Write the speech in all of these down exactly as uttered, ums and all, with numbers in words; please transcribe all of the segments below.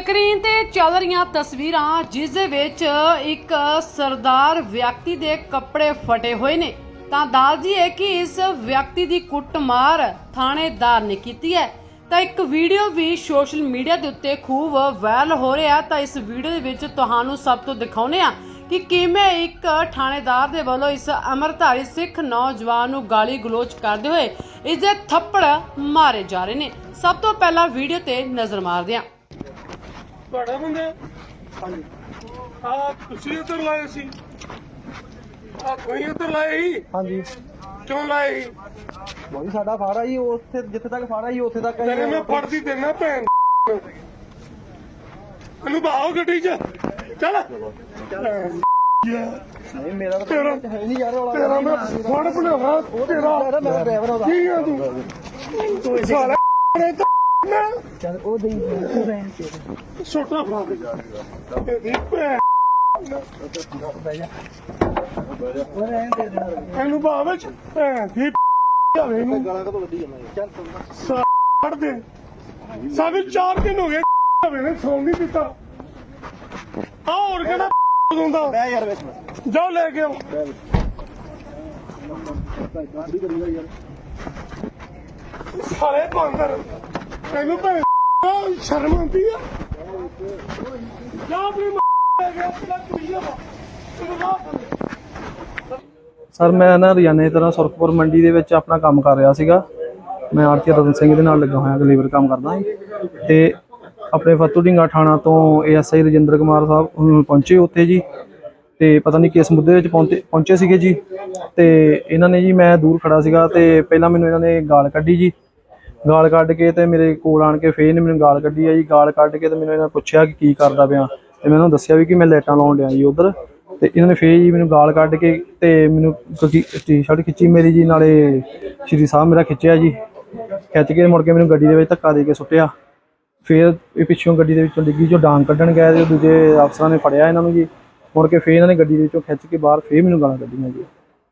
Screen ਤੇ ਚੱਲ ਰਹੀਆਂ ਤਸਵੀਰਾਂ ਜਿਸ ਦੇ ਵਿੱਚ ਇੱਕ ਸਰਦਾਰ ਵਿਅਕਤੀ ਦੇ ਕੱਪੜੇ ਫਟੇ ਹੋਏ ਨੇ ਤਾਂ ਦੱਸਦੀ ਹੈ ਕਿ ਇਸ ਵਿਅਕਤੀ ਦੀ ਕੁੱਟਮਾਰ ਥਾਣੇਦਾਰ ਨੇ ਕੀਤੀ ਹੈ। ਤਾਂ ਇੱਕ ਵੀਡੀਓ ਵੀ ਸੋਸ਼ਲ ਮੀਡੀਆ ਦੇ ਉੱਤੇ ਖੂਬ ਵਾਇਰਲ ਹੋ ਰਿਹਾ। ਤਾਂ ਇਸ ਵੀਡੀਓ ਦੇ ਵਿੱਚ ਤੁਹਾਨੂੰ ਸਭ ਤੋਂ ਦਿਖਾਉਂਦੇ ਆ ਕਿ ਕਿਵੇਂ ਇੱਕ ਥਾਣੇਦਾਰ ਦੇ ਵੱਲੋਂ ਇਸ ਅਮਰਧਾਰੀ ਸਿੱਖ ਨੌਜਵਾਨ ਨੂੰ ਗਾਲੀ ਗਲੋਚ ਕਰਦੇ ਹੋਏ ਇਸ ਦੇ ਥੱਪੜ ਮਾਰੇ ਜਾ ਰਹੇ ਨੇ। ਸਭ ਤੋਂ ਪਹਿਲਾਂ ਵੀਡੀਓ ਤੇ ਨਜ਼ਰ ਮਾਰਦੇ ਹਾਂ। ਤੁਹਾਡਾ ਬੰਦਾ ਹਾਂਜੀ ਆ ਤੁਸੀਂ ਉੱਧਰ ਲਾਏ ਸੀ ਆ ਕੋਈ ਉੱਧਰ ਲਾਏ ਸੀ ਹਾਂਜੀ ਕਿਉਂ ਲਾਏ ਸੀ ਬੋਲੀ ਸਾਡਾ ਫਾੜਾ ਜੀ ਉੱਥੇ ਜਿੱਥੇ ਤੱਕ ਫਾੜਾ ਜੀ ਉੱਥੇ ਤੱਕ ਤੇਰੇ ਮੈਂ ਫੜਦੀ ਦੇਣਾ ਭੈਣ ਇਹਨੂੰ ਬਾਹੋ ਗੱਡੀ 'ਚ ਚੱਲ ਨਹੀਂ ਮੇਰਾ ਤਾਂ ਤੇਰਾ ਹੈ ਨਹੀਂ ਯਾਰ ਵਾਲਾ ਤੇਰਾ ਮੈਂ ਫੜ ਬਣਾਵਾ ਤੇਰਾ ਮੇਰਾ ਡਰਾਈਵਰ ਉਹਦਾ ਕੀ ਆ ਤੂੰ ਸਾਲਾ ਮੈਂ ਚੱਲ ਉਹ ਦੇਈ ਤੂੰ ਰਹਿਣ ਕੇ ਛੋਟਾ ਫੜਾ ਦੇ ਇਹਦੀ ਭੈਣ ਬਹਿ ਜਾ ਉਹ ਰਹਿਣ ਦੇ ਦੇਣਾ ਇਹਨੂੰ ਬਾਹੋ ਵਿੱਚ ਭੈਣ ਦੀ ਜਾਵੇ ਇਹਨੂੰ ਗਾਲਾਂ ਕਦੋਂ ਵੱਡੀ ਜਾਂਦਾ ਚੱਲ ਫੜ ਦੇ ਸਾਡੇ ਚਾਰ ਦਿਨ ਹੋ ਗਏ ਹੋਵੇ ਨੇ ਸੌਂ ਨਹੀਂ ਦਿੱਤਾ ਆ ਹੋਰ ਕਿਹੜਾ ਹੁੰਦਾ ਬਹਿ ਯਾਰ ਵਿੱਚ ਜਾਓ ਲੈ ਕੇ ਆਓ ਗਾਂਧੀ ਕਰੀਦਾ ਯਾਰ ਸਾਰੇ ਬਾਂਦਰ ਤੈਨੂੰ ਭੈਣ ਸ਼ਰਮ ਆਉਂਦੀ ਆ ਜਾ ਆਪਣੀ ਲੈ ਕੇ ਆਪਣਾ ਕੁੜੀਆ ਵਾ ਸਰ ਮੈਂ ਨਾ ਰੋਜ਼ਾਨੇ ਤਰ੍ਹਾਂ ਸੁਰਖਪੁਰ ਮੰਡੀ ਦੇ ਵਿੱਚ ਆਪਣਾ ਕੰਮ ਕਰ ਰਿਹਾ ਸੀਗਾ। ਮੈਂ ਆਰਤੀ ਰਤਨ ਸਿੰਘ ਦੇ ਨਾਲ ਲੱਗਾ ਹੋਇਆ ਲੇਬਰ ਕੰਮ ਕਰਦਾ ਜੀ ਤੇ ਆਪਣੇ ਫੱਤੂ ਢਿੰਗਾ ਥਾਣਾ ਤੋਂ ਏਐਸਆਈ ਰਜਿੰਦਰ ਕੁਮਾਰ ਸਾਹਿਬ ਪਹੁੰਚੇ ਉੱਥੇ ਜੀ ਤੇ ਪਤਾ ਨਹੀਂ ਕਿਸ ਮੁੱਦੇ ਵਿੱਚ ਪਹੁੰਚੇ ਪਹੁੰਚੇ ਸੀਗੇ ਜੀ ਤੇ ਇਹਨਾਂ ਨੇ ਜੀ ਮੈਂ ਦੂਰ ਖੜਾ ਸੀਗਾ ਤੇ ਪਹਿਲਾਂ ਮੈਨੂੰ ਇਹਨਾਂ ਨੇ ਗਾਲ ਕੱਢੀ ਜੀ ਗਾਲ ਕੱਢ ਕੇ ਤੇ ਮੇਰੇ ਕੋਲ ਆਣ ਕੇ ਫੇਰ ਨੇ ਮੈਨੂੰ ਗਾਲ ਕੱਢੀ ਆ ਜੀ ਗਾਲ ਕੱਢ ਕੇ ਤੇ ਮੈਨੂੰ ਇਹਨਾਂ ਪੁੱਛਿਆ ਕਿ ਕੀ ਕਰਦਾ ਪਿਆ ਤੇ ਮੈਂ ਉਹਨਾਂ ਨੂੰ ਦੱਸਿਆ ਵੀ ਕਿ ਮੈਂ ਲਾਈਟਾਂ ਲਾਉਣ ਡਿਆ ਜੀ ਉਧਰ ਤੇ ਇਹਨਾਂ ਨੇ ਫੇਰ ਜੀ ਮੈਨੂੰ ਗਾਲ ਕੱਢ ਕੇ ਤੇ ਮੈਨੂੰ ਟੀ-ਸ਼ਰਟ ਖਿੱਚੀ ਮੇਰੀ ਜੀ ਨਾਲੇ ਸ਼੍ਰੀ ਸਾਹਿਬ ਮੇਰਾ ਖਿੱਚਿਆ ਜੀ ਖਿੱਚ ਕੇ ਮੁੜ ਕੇ ਮੈਨੂੰ ਗੱਡੀ ਦੇ ਵਿੱਚ ਧੱਕਾ ਦੇ ਕੇ ਸੁੱਟਿਆ। ਫਿਰ ਇਹ ਪਿੱਛੋਂ ਗੱਡੀ ਦੇ ਵਿੱਚੋਂ ਡਿੱਗੀ ਚੋਂ ਡਾਂਗ ਕੱਢਣ ਗਏ ਤੇ ਦੂਜੇ ਅਫਸਰਾਂ ਨੇ ਫੜਿਆ ਇਹਨਾਂ ਨੂੰ ਜੀ ਮੁੜ ਕੇ ਫੇਰ ਇਹਨਾਂ ਨੇ ਗੱਡੀ ਦੇ ਵਿੱਚੋਂ ਖਿੱਚ ਕੇ ਬਾਹਰ ਫੇਰ ਮੈਨੂੰ ਗਾਲਾਂ ਕੱਢੀਆਂ ਜੀ।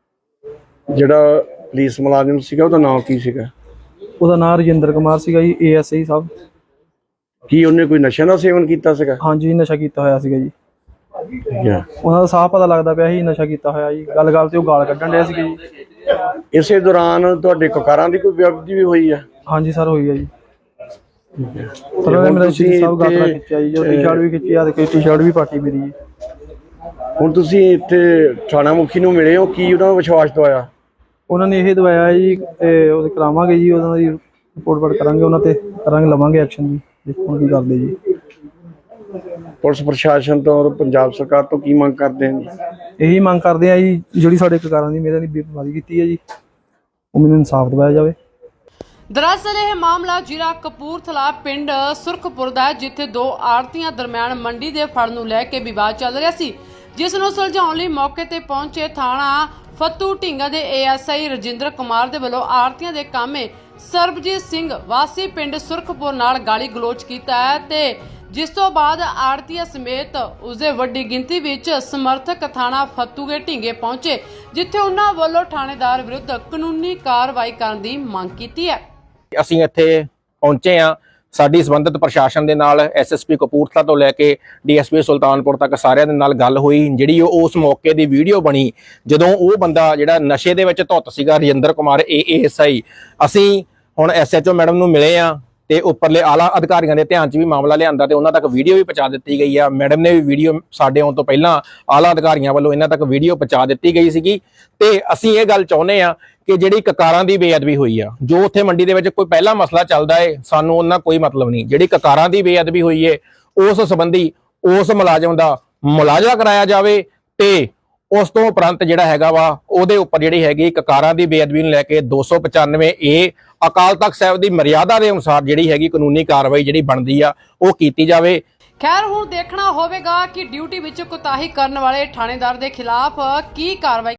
ਜਿਹੜਾ ਪੁਲਿਸ ਮੁਲਾਜ਼ਮ ਸੀਗਾ ਉਹਦਾ ਨਾਮ ਕੀ ਸੀਗਾ? ਉਹਦਾ ਨਾਮ ਰਜਿੰਦਰ ਕੁਮਾਰ ਸੀਗਾ ਜੀ ਏਐਸਆਈ ਸਾਹਿਬ। ਕੀ ਉਹਨੇ ਕੋਈ ਨਸ਼ਾ ਦਾ ਸੇਵਨ ਕੀਤਾ ਸੀਗਾ? ਹਾਂਜੀ ਨਸ਼ਾ ਕੀਤਾ ਹੋਇਆ ਸੀਗਾ ਜੀ। ਠੀਕ ਉਹਨਾਂ ਦਾ ਸਾਫ਼ ਪਤਾ ਲੱਗਦਾ ਪਿਆ ਸੀ ਨਸ਼ਾ ਕੀਤਾ ਹੋਇਆ ਜੀ। ਗੱਲ ਗੱਲ ਤੇ ਉਹ ਗਾਲ ਕੱਢਣ ਡਿਆ ਸੀਗਾ ਜੀ। ਇਸੇ ਦੌਰਾਨ ਤੁਹਾਡੇ ਕਕਾਰਾਂ ਦੀ ਕੋਈ ਵਿਅਕਤੀ ਵੀ ਹੋਈ ਆ? ਹਾਂਜੀ ਸਰ ਹੋਈ ਆ ਜੀ। ਸਰ ਉਹਨੇ ਮੇਰਾ ਸ਼੍ਰੀ ਸਾਹਿਬ ਗਾਤਰਾ ਖਿੱਚਿਆ ਜੀ ਜੋ ਟੀ-ਸ਼ਰਟ ਵੀ ਖਿੱਚੀ ਆ ਤੇ ਟੀ-ਸ਼ਰਟ ਵੀ ਪਾਟੀ ਮੇਰੀ ਜੀ। ਹੁਣ ਤੁਸੀਂ ਇੱਥੇ ਥਾਣਾ ਮੁਖੀ ਨੂੰ ਮਿਲੇ ਹੋ ਕੀ ਉਹਨਾਂ ਨੂੰ ਵਿਸ਼ਵਾਸ ਦਵਾਇਆ? ਉਹਨਾਂ ਨੇ ਇਹ ਦਵਾਇਆ ਜੀ ਤੇ ਉਹ ਕਰਾਵਾਂਗੇ ਜੀ ਉਹਨਾਂ ਦੀ ਰਿਪੋਰਟ ਵੜ ਕਰਾਂਗੇ ਉਹਨਾਂ ਤੇ ਕਰਾਂਗੇ ਲਵਾਂਗੇ ਐਕਸ਼ਨ ਜੀ ਦੇਖੋ ਕੀ ਕਰਦੇ ਜੀ। ਪੁਲਿਸ ਪ੍ਰਸ਼ਾਸਨ ਤੋਂ ਪੰਜਾਬ ਸਰਕਾਰ ਤੋਂ ਕੀ ਮੰਗ ਕਰਦੇ ਨੇ? ਇਹੀ ਮੰਗ ਕਰਦੇ ਆ ਜੀ ਜਿਹੜੀ ਸਾਡੇ ਕਕਾਰਾਂ ਦੀ ਮੇਰਾ ਦੀ ਬੇਪਰਵਾਹੀ ਕੀਤੀ ਹੈ ਜੀ ਉਹ ਮੈਨੂੰ ਇਨਸਾਫ ਦਿਵਾਇਆ ਜਾਵੇ। ਦਰਅਸਲ ਇਹ ਮਾਮਲਾ ਜ਼ਿਲ੍ਹਾ ਕਪੂਰਥਲਾ ਪਿੰਡ ਸੁਰਖਪੁਰ ਦਾ ਹੈ ਜਿੱਥੇ ਦੋ ਆੜਤੀਆਂ ਦਰਮਿਆਨ ਮੰਡੀ ਦੇ ਫੜ ਨੂੰ ਲੈ ਕੇ ਵਿਵਾਦ ਚੱਲ ਰਿਹਾ ਸੀ ਜਿਸ ਨੂੰ ਸੁਲਝਾਉਣ ਲਈ ਮੌਕੇ ਤੇ ਪਹੁੰਚੇ ਥਾਣਾ ਫੱਤੂ ਢਿੰਗਾ ਦੇ ਏਐਸਆਈ ਰਜਿੰਦਰ ਕੁਮਾਰ ਦੇ ਵੱਲੋਂ ਆੜਤੀਆਂ ਦੇ ਕਾਮੇ ਸਰਬਜੀਤ ਸਿੰਘ ਵਾਸੀ ਪਿੰਡ ਸੁਰਖਪੁਰ ਨਾਲ ਗਾਲੀ ਗਲੋਚ ਕੀਤਾ ਹੈ ਤੇ ਜਿਸ ਤੋਂ ਬਾਅਦ ਆੜਤੀਆਂ ਸਮੇਤ ਉਸਦੇ ਵੱਡੀ ਗਿਣਤੀ ਵਿੱਚ ਸਮਰਥਕ ਥਾਣਾ ਫੱਤੂਗੇ ਢਿੰਗੇ ਪਹੁੰਚੇ ਜਿੱਥੇ ਉਹਨਾਂ ਵੱਲੋਂ ਥਾਣੇਦਾਰ ਵਿਰੁੱਧ ਕਾਨੂੰਨੀ ਕਾਰਵਾਈ ਕਰਨ ਦੀ ਮੰਗ ਕੀਤੀ ਹੈ। ਅਸੀਂ ਇੱਥੇ ਪਹੁੰਚੇ ਆ ਸਾਡੀ ਸੰਬੰਧਿਤ ਪ੍ਰਸ਼ਾਸਨ ਦੇ ਨਾਲ ਐਸਐਸਪੀ ਕਪੂਰਥਲਾ ਤੋਂ ਲੈ ਕੇ ਡੀਐਸਪੀ ਸੁਲਤਾਨਪੁਰ ਤੱਕ ਸਾਰਿਆਂ ਦੇ ਨਾਲ ਗੱਲ ਹੋਈ ਜਿਹੜੀ ਉਸ ਮੌਕੇ ਦੀ ਵੀਡੀਓ ਬਣੀ ਜਦੋਂ ਉਹ ਬੰਦਾ ਜਿਹੜਾ ਨਸ਼ੇ ਦੇ ਵਿੱਚ ਧੁੱਤ ਸੀਗਾ ਰਜਿੰਦਰ ਕੁਮਾਰ ਏਐਸਆਈ ਅਸੀਂ ਹੁਣ ਐਸਐਚਓ ਮੈਡਮ ਨੂੰ ਮਿਲੇ ਆ ਤੇ ਉੱਪਰਲੇ ਆਲਾ ਅਧਿਕਾਰੀਆਂ ਦੇ ਧਿਆਨ 'ਚ ਵੀ ਮਾਮਲਾ ਲਿਆਂਦਾ ਤੇ ਉਹਨਾਂ ਤੱਕ ਵੀਡੀਓ ਵੀ ਪਹੁੰਚਾ ਦਿੱਤੀ ਗਈ ਆ। ਮੈਡਮ ਨੇ ਵੀ ਵੀਡੀਓ ਸਾਡੇ ਆਉਣ ਤੋਂ ਪਹਿਲਾਂ ਆਲਾ ਅਧਿਕਾਰੀਆਂ ਵੱਲੋਂ ਇਹਨਾਂ ਤੱਕ ਵੀਡੀਓ ਪਹੁੰਚਾ ਦਿੱਤੀ ਗਈ ਸੀਗੀ ਤੇ ਅਸੀਂ ਇਹ ਗੱਲ ਚਾਹੁੰਦੇ ਆ ਕਿ ਜਿਹੜੀ ਕਕਾਰਾਂ ਦੀ ਬੇਅਦਬੀ ਹੋਈ ਆ ਜੋ ਉੱਥੇ ਮੰਡੀ ਦੇ ਵਿੱਚ ਕੋਈ ਪਹਿਲਾ ਮਸਲਾ ਚੱਲਦਾ ਏ ਸਾਨੂੰ ਉਹਨਾਂ ਕੋਈ ਮਤਲਬ ਨਹੀਂ। ਜਿਹੜੀ ਕਕਾਰਾਂ ਦੀ ਬੇਅਦਬੀ ਹੋਈ ਏ ਉਸ ਸੰਬੰਧੀ ਉਸ ਮੁਲਾਜ਼ਮ ਦਾ ਮੁਲਾਜ਼ਾ ਕਰਾਇਆ ਜਾਵੇ ਤੇ ਉਸ ਤੋਂ ਉਪਰੰਤ ਜਿਹੜਾ ਹੈਗਾ ਵਾ ਉਹਦੇ ਉੱਪਰ ਜਿਹੜੀ ਹੈਗੀ ਕਕਾਰਾਂ ਦੀ ਬੇਅਦਬੀ ਨੂੰ ਲੈ ਕੇ ਦੋ ਸੌ ਪਚਾਨਵੇਂ ਏ ਅਕਾਲ ਤਖਤ ਸਾਹਿਬ ਦੀ ਮਰਿਆਦਾ ਦੇ ਅਨੁਸਾਰ ਜਿਹੜੀ ਹੈਗੀ ਕਾਨੂੰਨੀ ਕਾਰਵਾਈ ਜਿਹੜੀ ਬਣਦੀ ਆ ਉਹ ਕੀਤੀ ਜਾਵੇ। ਖੈਰ ਹੁਣ ਦੇਖਣਾ ਹੋਵੇਗਾ ਕਿ ਡਿਊਟੀ ਵਿੱਚ ਕੁਤਾਹੀ ਕਰਨ ਵਾਲੇ ਥਾਣੇਦਾਰ ਦੇ ਖਿਲਾਫ ਕੀ ਕਾਰਵਾਈ